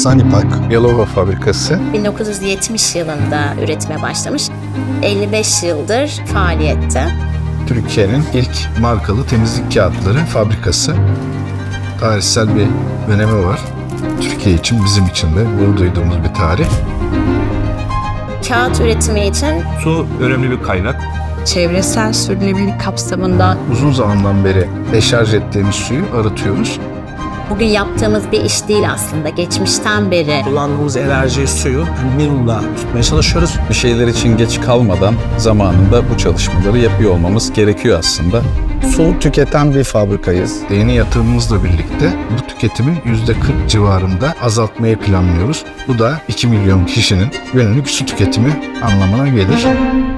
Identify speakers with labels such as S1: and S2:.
S1: Sanipak Yalova fabrikası
S2: 1970 yılında üretime başlamış. 55 yıldır faaliyette.
S1: Türkiye'nin ilk markalı temizlik kağıtları fabrikası. Tarihsel bir önemi var. Türkiye için, bizim için de gurur duyduğumuz bir tarih.
S2: Kağıt üretimi için
S3: Su önemli bir kaynak.
S2: çevresel sürdürülebilirlik kapsamında
S1: Uzun zamandan beri deşarj ettiğimiz suyu arıtıyoruz.
S2: bugün yaptığımız bir iş değil aslında. Geçmişten beri
S4: Kullandığımız enerjiyi, suyu minimumda tutmaya çalışıyoruz.
S5: Bir şeyler için geç kalmadan zamanında bu çalışmaları yapıyor olmamız gerekiyor aslında.
S1: Su tüketen bir fabrikayız. Yeni yatırımımızla birlikte bu tüketimi %40 civarında azaltmayı planlıyoruz. Bu da 2 milyon kişinin günlük su tüketimi anlamına gelir.